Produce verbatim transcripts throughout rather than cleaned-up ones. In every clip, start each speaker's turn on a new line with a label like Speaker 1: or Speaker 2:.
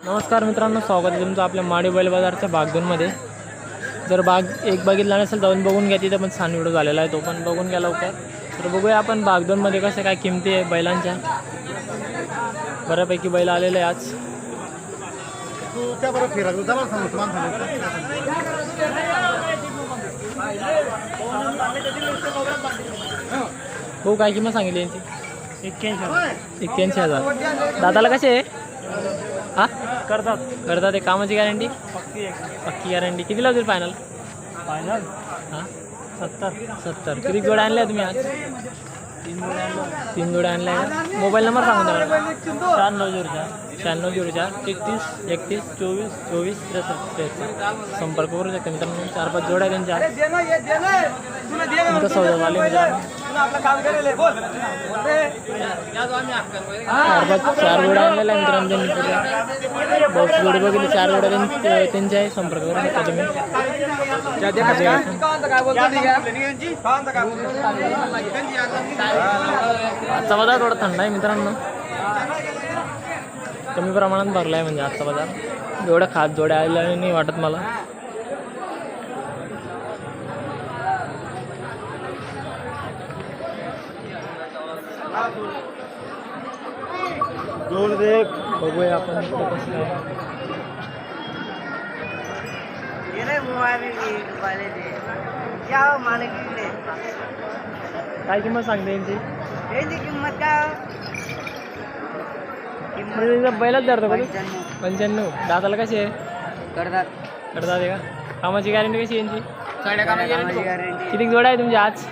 Speaker 1: नमस्कार मित्रांनो, स्वागत आहे तुमचं आपल्या माडी बैल बाजारच्या भाग दोनमध्ये. जर भाग एक बघितला नसेल तर बघून घ्या, तिथं पण छान व्हिडिओ झालेला आहे, तो पण बघून घ्या लवकर. तर बघूया आपण भाग दोनमध्ये कशा काय किमती आहे बैलांच्या. बऱ्यापैकी बैल आलेले आहे आज. हो, काय किंमत सांगितली यांची? एक्क्याऐंशी हजार एक्क्याऐंशी हजार दादाला कसे आहे? हां करतात करतात एक कामाची गॅरंटी पक्की पक्की गॅरंटी. किती लावतील फायनल? फायनल हां सत्तर सत्तर किती जोड्या आणल्या तुम्ही आज? तीन जोड्या आणल्या तीन जोड्या आणल्या आहे. मोबाईल नंबर सांगून द्या. शहाण्णव झिरो चार शहाण्णव झिरो चार तेहतीस एकतीस चोवीस चोवीस त्रेसष्ट त्रेसष्ट संपर्क करू शकता मित्रांनो. चार पाच जोड्या त्यांच्या तुमचा सौदा झाले मित्रांनो. चार पाच चार जोड्या आणलेल्या आहे मित्रांनो त्यांनी. बहुत जोडी बघितली, चार जोड्या त्यांनी त्यांचे आहे. संपर्क करू शकता तुम्ही. आजचा बाजार थोडा थंड आहे मित्रांनो, कमी प्रमाणात भरला आहे म्हणजे आजचा बाजार. एवढ्या खास जोड्या आलेल्या नाही वाटत मला. जोड दे बघूया आपण कसं काय. काय किंमत सांगते यांची?
Speaker 2: किंमत काय
Speaker 1: बैलाच धरतो कधी? पंच्याण्णव दादाला कशी आहे?
Speaker 2: करतात
Speaker 1: करतात आहे का? कामाची गॅरंटी कशी आहे यांची?
Speaker 2: गॅरंटी
Speaker 1: किती जोड्या आहे तुमच्या आज?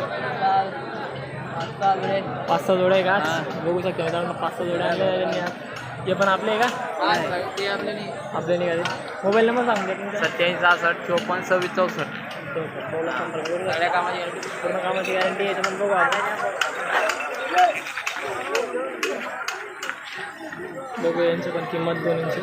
Speaker 2: पाच
Speaker 1: सहा जोड्या आहे का आज? बघू शकता मित्रांनो, पाच सहा जोड्या आणल्या त्यांनी आज. हे पण आपले आहे का? आपले नाही का? मोबाईल नंबर सांगून द्या.
Speaker 2: सत्याऐंशी सहासष्ट चोपन्न सव्वीस चौसष्ट
Speaker 1: सगळ्या कामाची गॅरंटी, पूर्ण कामाची गॅरंटी आहे. पण बघू आपण बघू यांची पण किंमत दोन्हींची.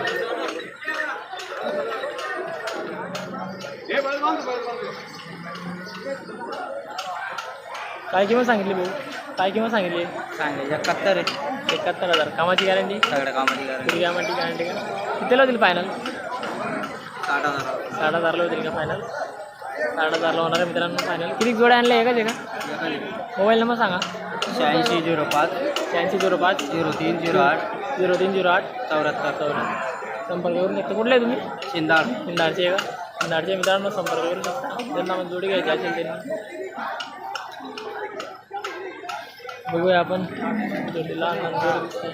Speaker 1: काय किंमत सांगितली भाऊ? काय किंमत सांगितली?
Speaker 2: सांगे एकाहत्तर आहे.
Speaker 1: एकाहत्तर हजार कामाची गॅरंटी.
Speaker 2: सगळ्या कामाची गॅरंटी.
Speaker 1: कामाची गॅरंटी का? कितीला होतील फायनल?
Speaker 2: साठ हजार
Speaker 1: साठ हजारला होतील का फायनल? साठ हजारला होणार आहे मित्रांनो फायनल. किती जोड्या आणल्या आहे का ते का? मोबाईल नंबर सांगा.
Speaker 2: शहाऐंशी झिरो पाच
Speaker 1: शहाऐंशी झिरो पाच
Speaker 2: झिरो तीन झिरो आठ
Speaker 1: झिरो तीन झिरो आठ
Speaker 2: चौऱ्याहत्तर
Speaker 1: चौऱ्याहत्तर संपर्क करू शकता. कुठले आहे तुम्ही?
Speaker 2: शिंदाड
Speaker 1: शिंदाडचे आहे का? शिंदाडचे मित्रांनो संपर्क करू शकता. त्यांना मग जोडी घ्यायची असेल त्यांनी. बघूया आपण जोडीला जोडी दिसते.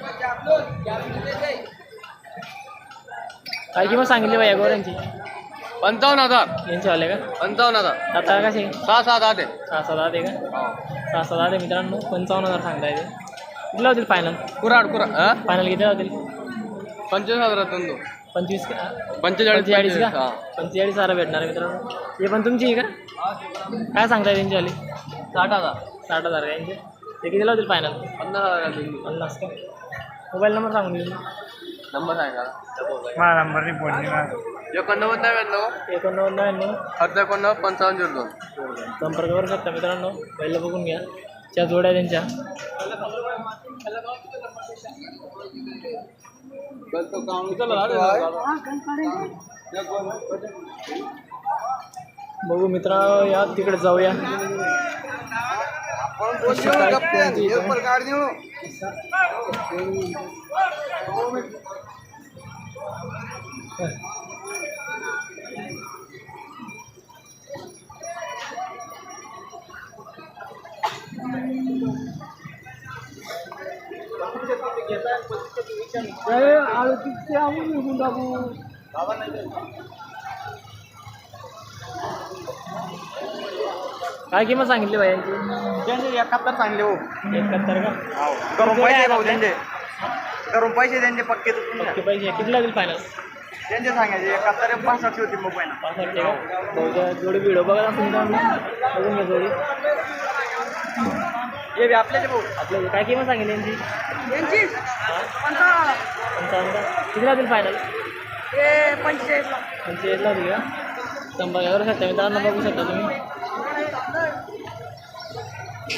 Speaker 1: काय किंमत सांगितली बाई या गोऱ्यांची?
Speaker 2: पंचावन्न हजार
Speaker 1: यांचे वाले का?
Speaker 2: पंचावन्न हजार
Speaker 1: आता कसे?
Speaker 2: सहा सात आठ आहे.
Speaker 1: सहा सात आहे का? सहा सात आहे मित्रांनो. पंचावन्न हजार सांगता येते. किती लावतील फायनल?
Speaker 2: कुराड कुराड
Speaker 1: फायनल किती लावतील?
Speaker 2: पंचवीस हजारातून दो
Speaker 1: पंचवीस का?
Speaker 2: पंचेचाळीस
Speaker 1: पंचेचाळीस का?
Speaker 2: हा.
Speaker 1: पंचेचाळीस हजार भेटणार आहे मित्रांनो. हे पण तुमची आहे का? काय सांगताय त्यांची वाली?
Speaker 2: साठ हजार
Speaker 1: साठ हजार का यांचे? ते किती लावतील फायनल?
Speaker 2: पन्नास हजार
Speaker 1: पन्नास का? मोबाईल नंबर सांगून देऊ.
Speaker 2: नंबर सांगा.
Speaker 1: माझा नंबर नाही फोन.
Speaker 2: एकोणनव्वद नव्याण्णव
Speaker 1: एकोणनव्वद नव्याण्णव
Speaker 2: अर्ध एकोणनव्वद पंचावन्न झिरो दोन
Speaker 1: संपर्क करू शकता मित्रांनो. पहिलं बघून घ्या त्या जोड्या त्यांच्या. बघू मित्रांनो, या तिकडे जाऊया. काय किंमत सांगितली बाई यांची?
Speaker 2: त्यांचे एकाहत्तर सांगले हो.
Speaker 1: एकाहत्तर का?
Speaker 2: करून पैसे भाऊ त्यांचे करून पैसे त्यांचे पक्के
Speaker 1: पक्के पैसे किती लागेल फायनल?
Speaker 2: त्यांचे सांगायचे एकाहत्तर पासष्ट होती मोबाईल
Speaker 1: पासष्ट का? बहुतेक जोडी व्हिडिओ बघा तुमचा बघून घ्या जोडी.
Speaker 2: हे बी आपल्याचे भाऊ
Speaker 1: आपल्या काय किंमत सांगितली यांची?
Speaker 2: यांची
Speaker 1: पंचावन्न का? किती लागेल फायनल?
Speaker 2: ते पंचेचाळीस
Speaker 1: पंचेचाळीस लागेल का? संपर्क करू शकता मित्रांनो, बघू शकता तुम्ही.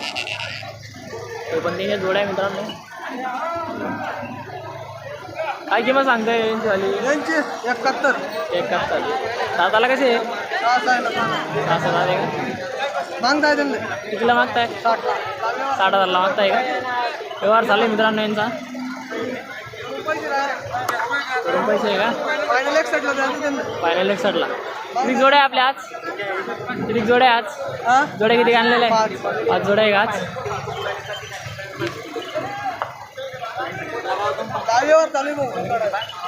Speaker 1: तो पण तिने जोड्या मित्रांनो. काय किंमत सांगताय यांची वाली?
Speaker 2: यांची एकाहत्तर.
Speaker 1: एकाहत्तर. दाताला कसे आहे?
Speaker 2: सहा सहा आहे ना.
Speaker 1: सहा सात आहे का?
Speaker 2: मागताय त्यांना
Speaker 1: कितीला मागताय?
Speaker 2: साठ.
Speaker 1: साठ हजारला मागताय का? व्यवहार चालू आहे मित्रांनो यांचा. करून पैसे आहे का?
Speaker 2: फायनल एक साईडला द्यायचं त्यांना.
Speaker 1: फायनल एक साठला. किती जोड्या आहे आपल्या आज? किती जोड्या आहे आज?
Speaker 2: हा
Speaker 1: जोड्या किती आणलेल्या आहे?
Speaker 2: पाच.
Speaker 1: पाच जोड्या आहे का आज?
Speaker 2: दहावीवर चालू आहे भाऊ.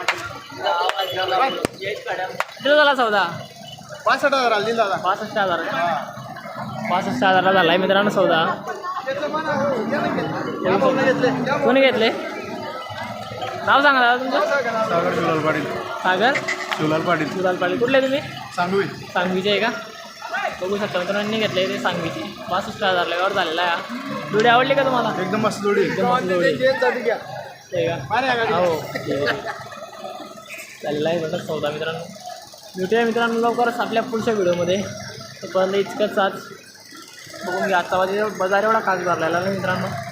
Speaker 1: किती झाला सौदा?
Speaker 2: पासष्ट हजार आली दादा.
Speaker 1: पासष्ट हजार पासष्ट हजारला झाला आहे मित्रांनो सौदा. कोणी घेतले? नाव सांगा दादा तुमचं.
Speaker 2: सागर शिवलाल पाटील.
Speaker 1: सागर
Speaker 2: शिवलाल पाटील.
Speaker 1: सुलाल पाटील. कुठले तुम्ही?
Speaker 2: सांगवी.
Speaker 1: सांगवीचे आहे का? बघू शकता मित्रांनी घेतले ते सांगवीची. पासष्ट हजार लेवर झालेला आहे. जोडी आवडली का तुम्हाला?
Speaker 2: एकदम मस्त जोडी.
Speaker 1: एकदम मस्त जोडी आहे का? हो चाललेला आहे म्हणतात सौदा मित्रांनो. भेटूया मित्रांनो लवकरच आपल्या पुढच्या व्हिडिओमध्ये. तोपर्यंत इतकंच आज बघून घ्या. आजचा बाजार बाजार एवढा खास भरलेला नाही मित्रांनो.